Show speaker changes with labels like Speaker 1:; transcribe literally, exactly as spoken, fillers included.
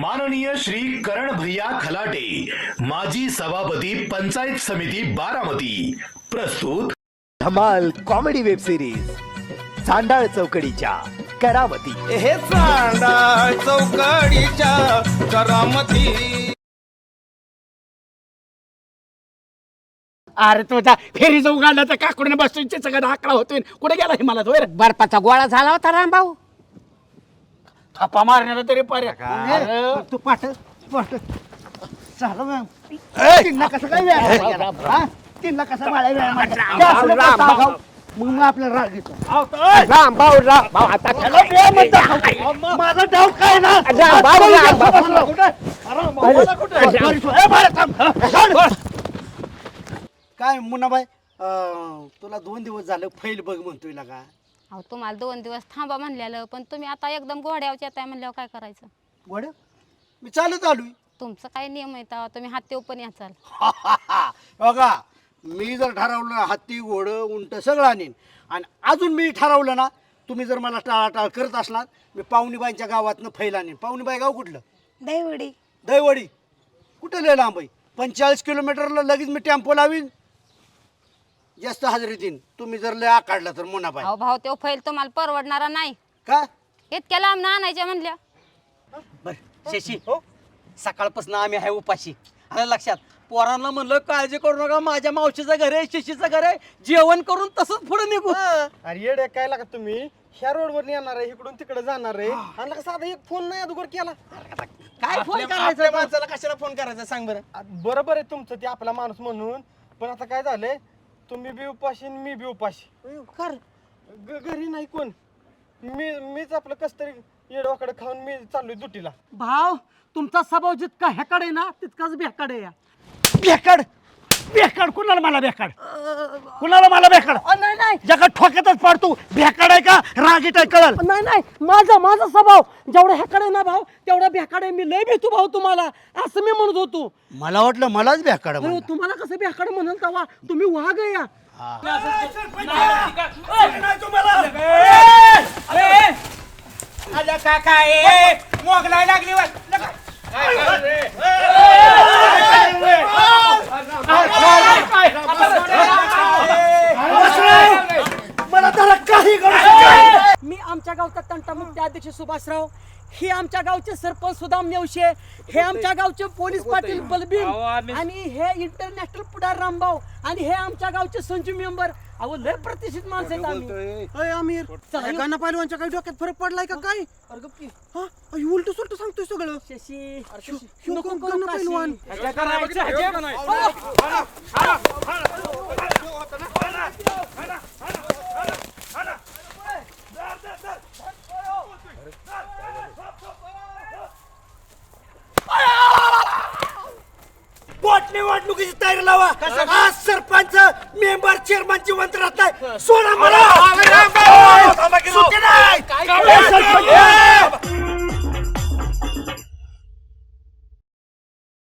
Speaker 1: माननीय श्री करण भैया खलाटे, माजी सभापती पंचायत समिती बारामती, प्रस्तुत
Speaker 2: धमाल कॉमेडी वेब सिरीज चांडाळ चौकडीच्या करामती.
Speaker 3: हे चांडाळ चौकडीच्या करामती.
Speaker 4: अरे तुझा फेरी जाऊ गाडला तर काकडून बसून सगळं आकडा होतोय. कुठे गेला हे मला तो
Speaker 5: बर्फाचा गोळा झाला होता रामभाऊ.
Speaker 4: थापा मारण्याला तरी पर्याय.
Speaker 5: तू पाठ पाठ चालू मॅम कसं काय व्यायाम तीनला कसा माळा व्यायाम मग मग आपल्याला राग येतो.
Speaker 4: रामभाऊ रामभाऊ आता
Speaker 5: माझा डाऊट काय ना काय मुन्नाबाई तुला दोन दिवस झालं फैल बघ म्हणतोय ना का.
Speaker 6: अहो तुम्हाला दोन दिवस थांबा म्हणलेलं पण तुम्ही आता एकदम घोड्यावर येताय म्हणल्यावर काय करायचं.
Speaker 5: घोड्या मी चालत आलोय.
Speaker 6: तुमचं काय नियम आहे तेव्हा तुम्ही हाती पण याचाल.
Speaker 5: बघा मी जर ठरवलं हत्ती घोडं उंट सगळं आणीन आणि अजून मी ठरवलं ना तुम्ही जर मला टाळाटाळ करत असणार मी पाहुणीबाईंच्या गावातनं फैल आणीन. पाहुणीबाई गाव कुठलं.
Speaker 6: दैवडी.
Speaker 5: दैवडी कुठं लय लांब आहे. पंचेचाळीस किलोमीटरला लगेच मी टेम्पो लावीन जास्त हजेरी देईन. तुम्ही जर लय आकाडला तर मुन्नाबाई.
Speaker 6: अहो भाऊ तो फैल तुम्हाला परवडणारा नाही.
Speaker 5: का
Speaker 6: इतक्या लांब ना आणायच्या म्हणल्या.
Speaker 7: बर शशी हो सकाळपासून आम्ही आहे उपाशी. आलं लक्षात. पोरांना म्हणलं काळजी करू नका माझ्या मावशीचं घर आहे शशीचं घर आहे जेवण करून तसंच पुढे निघू.
Speaker 3: अरे येडे काय लागा तुम्ही ह्या रोडवर येणार आहे इकडून तिकडे जाणार आहे आणि लका साधा एक फोन नाही अगोदर केला.
Speaker 7: काय फोन करायचा माणसाला कशाला फोन करायचा सांग बरं.
Speaker 3: बरोबर आहे तुमचं ते आपला माणूस म्हणून पण आता काय झालंय तुम्ही बी उपाशी आणि मी बी उपाशी.
Speaker 7: कर
Speaker 3: ग- घरी नाही कोण मी मीच आपलं कस तरी येडवाकडे खाऊन मी चाललोय दुटीला.
Speaker 4: भाव तुमचा स्वभाव जितका ह्याकडे आहे ना तितकाच बेकडे या.
Speaker 5: बेकाड बेकाड कुणाला मला बेकाड कुणाला मला बेकाड
Speaker 4: नाही नाही
Speaker 5: जगात ठोक्यातच पाडतो. बेकाड आहे का रागीट आहे कळल.
Speaker 4: नाही नाही माझा माझा स्वभाव जेवढा ह्याकडे ना भाऊ तेवढा बेकडे. मी लय भेटू भाऊ तुम्हाला असं मी म्हणत होतो.
Speaker 5: मला वाटलं मलाच बेकाड
Speaker 4: अरे तुम्हाला कसं बेकडे म्हणाल तेव्हा तुम्ही वाघ आहे या.
Speaker 7: मोगलाई लागली
Speaker 5: मला त्याला काही
Speaker 4: मी आमच्या गावचा तंटामुक्ती अध्यक्ष सुभाषराव, हे आमच्या गावचे सरपंच सुदाम नेवशे, हे आमच्या गावचे पोलीस पाटील बलबीर आणि हे इंटरनॅशनल पुढार रामभाऊ आणि हे आमच्या गावचे संजू मेंबर. अहो लय प्रतिष्ठित माणसं आहेत आम्ही.
Speaker 5: आमिर गाणं पहिलवानच्या काही डोक्यात फरक पडलाय का काय. उलट सुलट सांगतोय सगळं.
Speaker 4: शशी
Speaker 5: नको गाणं पहिलवान. निवडणुकीची तयारी लावा. आज सरपंच मेंबर चेअरमनची मंत्र राहत नाही. सोडा मला.